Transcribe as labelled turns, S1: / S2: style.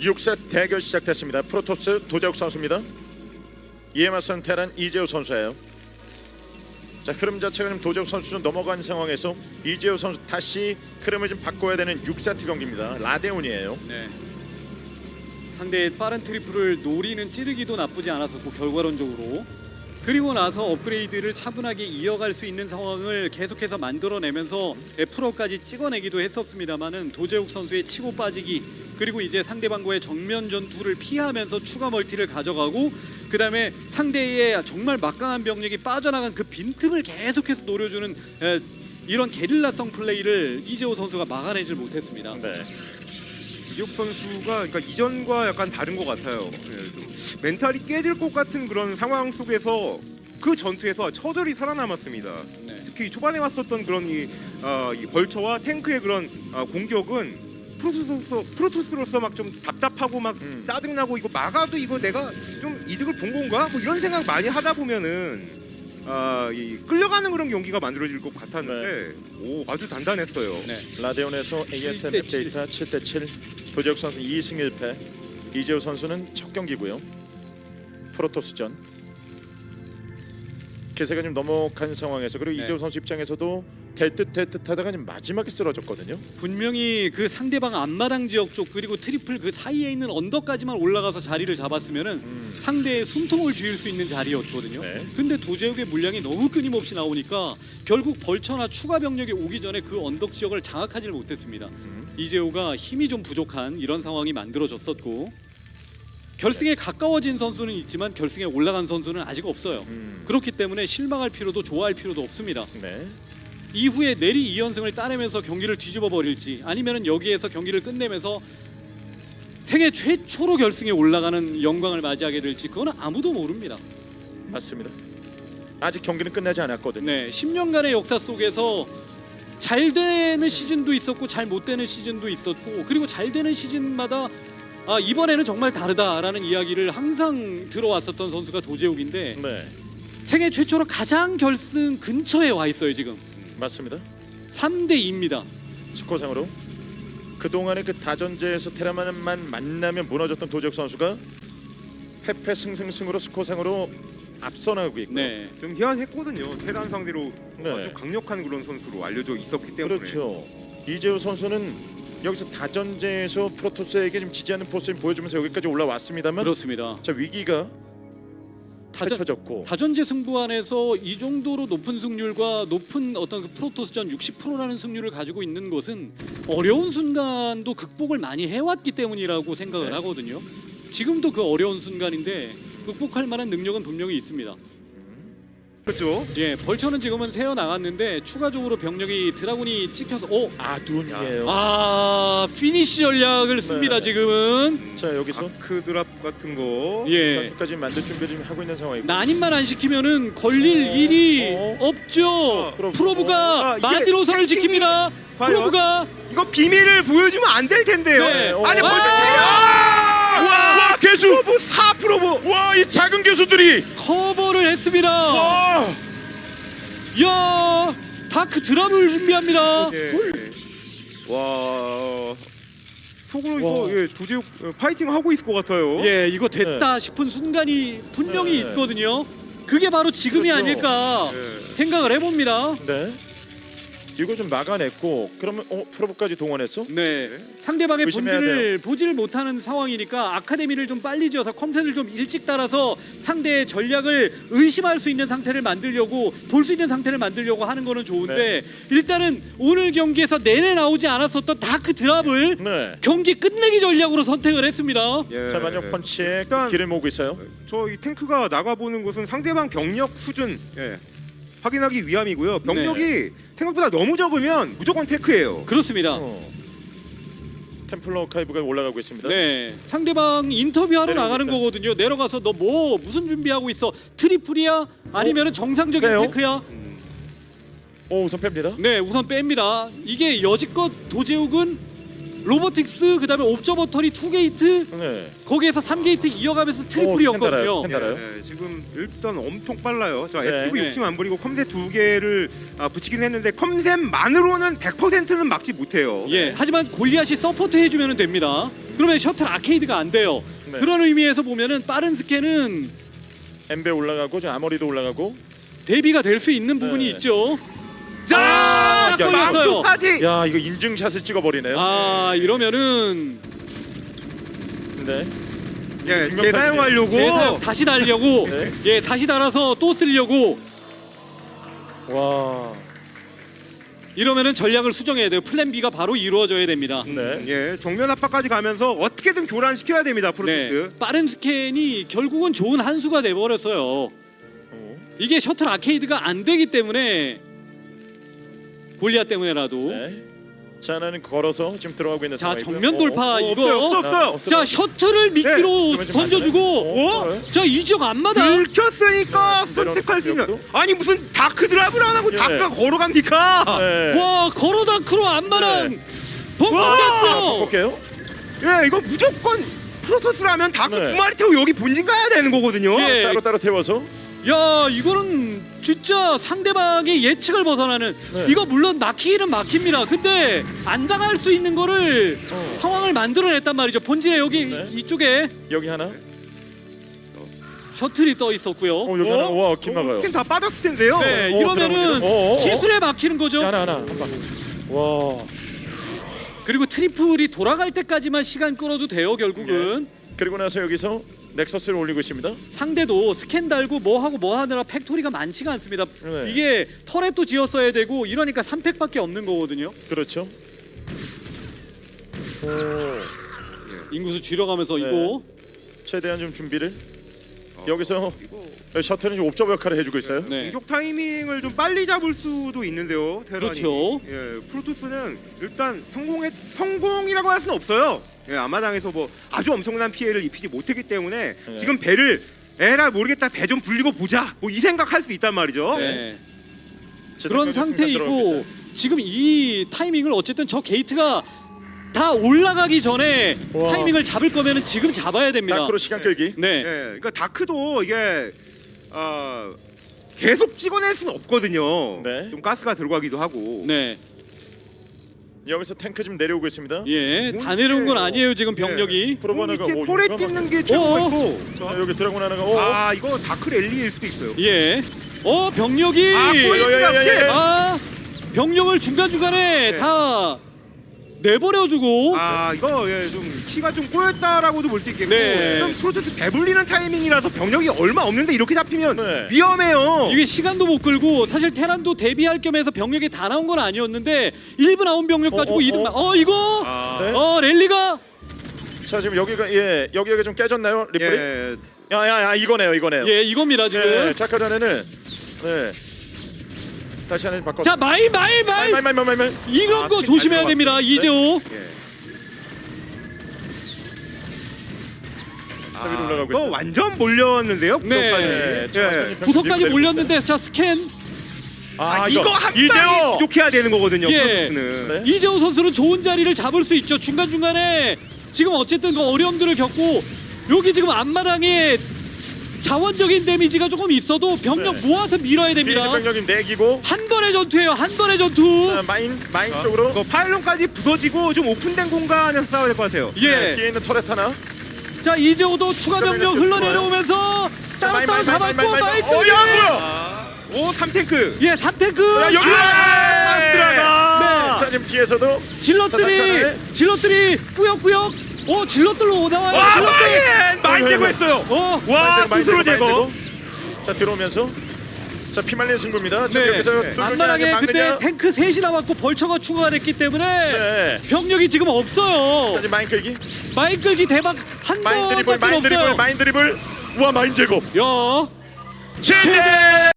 S1: 6세 대결 시작됐습니다. 프로토스 도재욱 선수입니다. 이에 맞선 테란 이재호 선수예요. 자, 흐름 자체가 좀 도재욱 선수 좀 넘어간 상황에서 이재호 선수 다시 흐름을 좀 바꿔야 되는 6세트 경기입니다. 라데온이에요.
S2: 네. 상대의 빠른 트리플을 노리는 찌르기도 나쁘지 않았었고 결과론적으로 그리고 나서 업그레이드를 차분하게 이어갈 수 있는 상황을 계속해서 만들어내면서 프로까지 찍어내기도 했었습니다만은 도재욱 선수의 치고 빠지기 그리고 이제 상대방과의 정면 전투를 피하면서 추가 멀티를 가져가고 그 다음에 상대의 정말 막강한 병력이 빠져나간 그 빈틈을 계속해서 노려주는 이런 게릴라성 플레이를 이재호 선수가 막아내질 못했습니다.
S1: 네.
S3: 이재욱 선수가 그러니까 이전과 약간 다른 것 같아요. 멘탈이 깨질 것 같은 그런 상황 속에서 그 전투에서 처절히 살아남았습니다.
S2: 네.
S3: 특히 초반에 왔었던 그런 이 벌처와 탱크의 그런 공격은 프로토스로서 막 좀 답답하고 막 짜증나고 이거 막아도 이거 내가 좀 이득을 본 건가? 뭐 이런 생각 많이 하다 보면은 이 끌려가는 그런 경기가 만들어질 것 같았는데 오 아주 단단했어요.
S2: 네.
S1: 라데온에서 ASM
S2: 7대7.
S1: 데이터 7대7 도재욱 선수 2승 1패 이재호 선수는 첫 경기고요. 프로토스전 기세가 좀 넘어간 상황에서 그리고
S2: 네.
S1: 이재호 선수 입장에서도 될 듯 하다가 좀 마지막에 쓰러졌거든요.
S2: 분명히 그 상대방 앞마당 지역 쪽 그리고 트리플 그 사이에 있는 언덕까지만 올라가서 자리를 잡았으면은 상대의 숨통을 쥐을 수 있는 자리였거든요.
S1: 네.
S2: 근데 도재욱의 물량이 너무 끊임없이 나오니까 결국 벌처나 추가 병력이 오기 전에 그 언덕 지역을 장악하지를 못했습니다. 이재호가 힘이 좀 부족한 이런 상황이 만들어졌었고 결승에 가까워진 선수는 있지만 결승에 올라간 선수는 아직 없어요. 그렇기 때문에 실망할 필요도 좋아할 필요도 없습니다.
S1: 네.
S2: 이후에 내리 2연승을 따내면서 경기를 뒤집어 버릴지 아니면은 여기에서 경기를 끝내면서 세계 최초로 결승에 올라가는 영광을 맞이하게 될지 그거는 아무도 모릅니다.
S1: 맞습니다. 아직 경기는 끝나지 않았거든요.
S2: 네, 10년간의 역사 속에서 잘 되는 시즌도 있었고 잘 못 되는 시즌도 있었고 그리고 잘 되는 시즌마다 이번에는 정말 다르다라는 이야기를 항상 들어왔었던 선수가 도재욱인데
S1: 네.
S2: 세계 최초로 가장 결승 근처에 와 있어요 지금.
S1: 맞습니다.
S2: 3대 2입니다.
S1: 스코어상으로 그동안의 그 다전제에서 테란만 만나면 무너졌던 도재욱 선수가 패패 승승승으로 스코어상으로 앞서 나가고 있고
S2: 네.
S3: 좀 희한했거든요. 테란 상대로
S1: 네.
S3: 아주 강력한 그런 선수로 알려져 있었기 때문에
S1: 그렇죠. 이재호 선수는 여기서 다전제에서 프로토스에게 좀 지지하는 포스를 보여주면서 여기까지 올라왔습니다만
S2: 그렇습니다.
S1: 자 위기가
S2: 다전,
S1: 펼쳐졌고
S2: 다전제 승부안에서 이 정도로 높은 승률과 높은 어떤 그 프로토스전 60%라는 승률을 가지고 있는 것은 어려운 순간도 극복을 많이 해왔기 때문이라고 생각을
S1: 네.
S2: 하거든요. 지금도 그 어려운 순간인데 극복할 만한 능력은 분명히 있습니다.
S3: 그렇죠.
S2: 예, 벌처는 지금은 새어 나갔는데 추가적으로 병력이 드라군이 찍혀서
S1: 아둔이에요.
S2: 피니시 전략을 씁니다.
S1: 네.
S2: 지금은
S1: 자 여기서
S3: 아크 드랍 같은 거
S2: 예.
S1: 단추까지 만들 준비를 좀 하고 있는 상황이고
S2: 난임만 안 시키면은 걸릴 일이 없죠. 프로브가
S3: 이게
S2: 마지노선을
S3: 해킹이
S2: 지킵니다.
S3: 과연?
S2: 프로브가
S3: 이거 비밀을 보여주면 안 될 텐데요.
S2: 네.
S3: 아니
S2: 와!
S1: 와 개수
S3: 프로브 4 프로브.
S1: 와 이 작은 개수들이
S2: 커버를 했습니다.
S1: 와
S2: 야, 다크 드랍을 준비합니다.
S3: 예. 와. 속으로 이거
S1: 와.
S3: 예, 도저히 파이팅 하고 있을 것 같아요.
S2: 예, 이거 됐다 싶은 순간이 분명히
S1: 네.
S2: 있거든요. 그게 바로 지금이
S1: 그렇죠.
S2: 아닐까
S3: 예.
S2: 생각을 해봅니다.
S1: 네 이거 좀 막아냈고 그러면 프로브까지 동원했어?
S2: 네. 상대방의
S1: 조심해야
S2: 본질을 보지를 못하는 상황이니까 아카데미를 좀 빨리 지어서 컴셋을 좀 일찍 따라서 상대의 전략을 의심할 수 있는 상태를 만들려고 볼 수 있는 상태를 만들려고 하는 거는 좋은데 일단은 오늘 경기에서 내내 나오지 않았었던 다크 드랍을
S1: 네.
S2: 경기 끝내기 전략으로 선택을 했습니다.
S3: 예.
S1: 자 만약 펀치에
S3: 일단-
S1: 길을 모으고 있어요.
S3: 저 이 탱크가 나가보는 곳은 상대방 병력 수준 확인하기 위함이고요. 병력이 생각보다 너무 적으면 무조건 테크예요.
S2: 그렇습니다.
S1: 템플러 카이브가 올라가고 있습니다.
S2: 네, 상대방 인터뷰하러
S1: 내려오고
S2: 나가는
S1: 있어요.
S2: 거거든요. 내려가서 너 뭐 무슨 준비하고 있어? 트리플이야? 아니면은 정상적인
S1: 빼요?
S2: 테크야?
S1: 오 우선 뺍니다.
S2: 네, 우선 뺍니다. 이게 여지껏 도재욱은 로보틱스 그다음에 옵저버터리 2게이트
S1: 네.
S2: 거기에서 3게이트 이어가면서 트리플이었거든요.
S1: 달아요.
S3: 예, 지금 일단 엄청 빨라요. 자,
S1: 네.
S3: STV 욕심 안 부리고 컴셋 2개를 붙이긴 했는데 컴셋만으로는 100%는 막지 못해요.
S2: 예, 하지만 골리앗이 서포트 해주면 됩니다. 그러면 셔틀 아케이드가 안 돼요.
S1: 네.
S2: 그런 의미에서 보면은 빠른 스캔은
S1: 엠베 올라가고 저 아머리도 올라가고.
S2: 대비가 될 수 있는 부분이
S1: 네.
S2: 있죠.
S3: 자,
S2: 걸렸어요.
S3: 망토까지.
S1: 야 이거 인증샷을 찍어버리네요.
S2: 아 이러면은
S1: 네.
S3: 예,
S1: 증명
S3: 재사용하려고.
S2: 다시 달려고
S1: 네.
S2: 예 다시 달아서 또 쓰려고
S1: 와.
S2: 이러면은 전략을 수정해야 돼요. 플랜 B가 바로 이루어져야 됩니다.
S1: 네.
S3: 예, 정면 압박까지 가면서 어떻게든 교란시켜야 됩니다. 프로토스.
S2: 네, 빠른 스캔이 결국은 좋은 한 수가 돼버렸어요.
S1: 어.
S2: 이게 셔틀 아케이드가 안 되기 때문에 골리앗 때문에라도
S1: 네. 자 하나는 걸어서 지금 들어가고 있는
S2: 자
S1: 상황이고요.
S2: 정면 돌파 이거
S3: 없어요.
S2: 자 셔틀을 미끼로
S1: 네,
S2: 던져주고
S1: 어?
S2: 자 이 지역 앞마다
S3: 들켰으니까
S1: 네,
S3: 선택할 수 있는.
S1: 내려놓고.
S3: 아니 무슨 다크 드랍을 안 하고
S1: 예.
S3: 다크가 걸어갑니까?
S1: 네.
S2: 와 걸어다크로 앞마당
S1: 네.
S2: 벙벙했어요.
S1: 볼게요.
S3: 예, 이거 무조건 프로토스라면 다크
S1: 네.
S3: 두 마리 태우고 여기 본진 가야 되는 거거든요.
S2: 예.
S1: 따로 태워서.
S2: 야 이거는 진짜 상대방의 예측을 벗어나는
S1: 네.
S2: 이거 물론 막히기는 막힙니다. 근데 안 당할 수 있는 거를 상황을 만들어냈단 말이죠. 본진에 여기
S1: 네.
S2: 이쪽에
S1: 여기 하나.
S2: 셔틀이 떠 있었고요.
S1: 여기 하나. 와, 킴 나가요.
S3: 다 빠졌을 텐데요.
S2: 네,
S1: 들어갑니다.
S2: 이러면은 기술에 막히는 거죠.
S1: 하나. 한 방. 와.
S2: 그리고 트리플이 돌아갈 때까지만 시간 끌어도 돼요. 결국은
S1: 그리고 나서 여기서 넥서스를 올리고 있습니다.
S2: 상대도 스캔 달고 뭐 하고 뭐 하느라 팩토리가 많지가 않습니다.
S1: 네.
S2: 이게 터렛도 지었어야 되고 이러니까 3팩밖에 없는 거거든요.
S1: 그렇죠. 오.
S2: 인구수 줄여가면서
S1: 네.
S2: 이거
S1: 최대한 좀 준비를. 여기서
S3: 이거
S1: 셔틀은 좀 옵저버 역할을 해주고 있어요.
S2: 네.
S3: 공격 타이밍을 좀 빨리 잡을 수도 있는데요. 테란이.
S2: 그렇죠.
S3: 예, 프로토스는 일단 성공이라고 할 수는 없어요. 예, 아마당에서 뭐 아주 엄청난 피해를 입히지 못했기 때문에
S1: 네.
S3: 지금 배를 에라 모르겠다 배 좀 불리고 보자 뭐 이 생각할 수 있단 말이죠.
S2: 네.
S1: 지상까지
S2: 그런
S1: 들어가고
S2: 상태이고
S1: 있어요.
S2: 지금 이 타이밍을 어쨌든 저 게이트가 다 올라가기 전에
S1: 와.
S2: 타이밍을 잡을 거면은 지금 잡아야 됩니다.
S1: 다크로 시간 끌기.
S2: 네.
S3: 예, 그러니까 다크도 이게 계속 찍어낼 수는 없거든요.
S1: 네.
S3: 좀 가스가 들어가기도 하고.
S2: 네.
S1: 여기서 탱크 지금 내려오고 있습니다.
S2: 예. 다 내려온 건 아니에요, 지금 병력이.
S1: 프로버너가
S3: 이렇게 털에 찢는 게 최고가
S2: 어어.
S3: 있고.
S1: 자, 여기 드래곤 하나가
S3: 아 이거 다크 랠리일 수도 있어요.
S2: 예. 병력이
S1: 야.
S2: 병력을 중간중간에
S3: 네.
S2: 다 내버려주고
S3: 이거 좀 키가 좀 꼬였다라고도 볼 수 있겠고
S2: 네.
S3: 지금 프로토스 배불리는 타이밍이라서 병력이 얼마 없는데 이렇게 잡히면
S1: 네.
S3: 위험해요.
S2: 이게 시간도 못 끌고 사실 테란도 대비할 겸해서 병력이 다 나온 건 아니었는데 1분 나온 병력 가지고 이득 이거
S1: 네.
S2: 랠리가
S1: 자 지금 여기가 좀 깨졌나요? 리플이?
S3: 예.
S1: 야야야 이거네요.
S2: 예 이겁니다 지금.
S1: 예, 자 아까 전에는 다시 하나 바꿔.
S2: 자 마이
S1: 마이.
S2: 이런 거
S3: 잘
S2: 조심해야
S3: 들어갔습니다.
S2: 됩니다 이재호.
S1: 위로 올라가고
S3: 이거
S1: 있어요.
S3: 완전 몰렸는데요.
S2: 네.
S3: 구석까지.
S2: 구석까지 몰렸는데 자 스캔
S3: 이거 한 방에
S1: 이재호.
S3: 부족해야 되는 거거든요.
S2: 예.
S3: 프로토스는.
S1: 네.
S2: 이재호 선수는 좋은 자리를 잡을 수 있죠. 중간중간에 지금 어쨌든 그 어려움들을 겪고 여기 지금 앞마당에 자원적인 데미지가 조금 있어도 병력
S1: 네.
S2: 모아서 밀어야 됩니다.
S1: 병력이 내기고
S2: 한 번의 전투예요. 한 번의 전투.
S1: 자, 마인 쪽으로
S3: 이거 파일론까지 부서지고 좀 오픈된 공간에서 싸워야 될 것 같아요.
S2: 예.
S1: 뒤에 있는 터렛 하나.
S2: 자 이재호도 추가 병력 흘러내려오면서 따로따로 잡았고 마이크.
S3: 오 3탱크.
S2: 예, 3탱크.
S1: 여기
S3: 들어가.
S1: 자 지금 뒤에서도
S2: 질럿들이 꾸역꾸역. 질럿들로 나와요.
S3: 와
S2: 질럿들.
S3: 마인 제거했어요. 와 스스로 제거.
S1: 자 들어오면서 자 피말린 승부입니다. 지금
S2: 네.
S1: 여기서
S2: 앞마당에
S1: 막느냐.
S2: 근데 탱크 3이 남았고 벌처가 추가가 됐기 때문에
S1: 네.
S2: 병력이 지금
S1: 자
S2: 없어요.
S1: 지금 마인 끌기.
S2: 마인 끌기 대박 한
S1: 마인 드리블
S2: 번밖에 없어요.
S1: 마인 드리블. 우와 마인 제거.
S2: 야.
S1: 제제.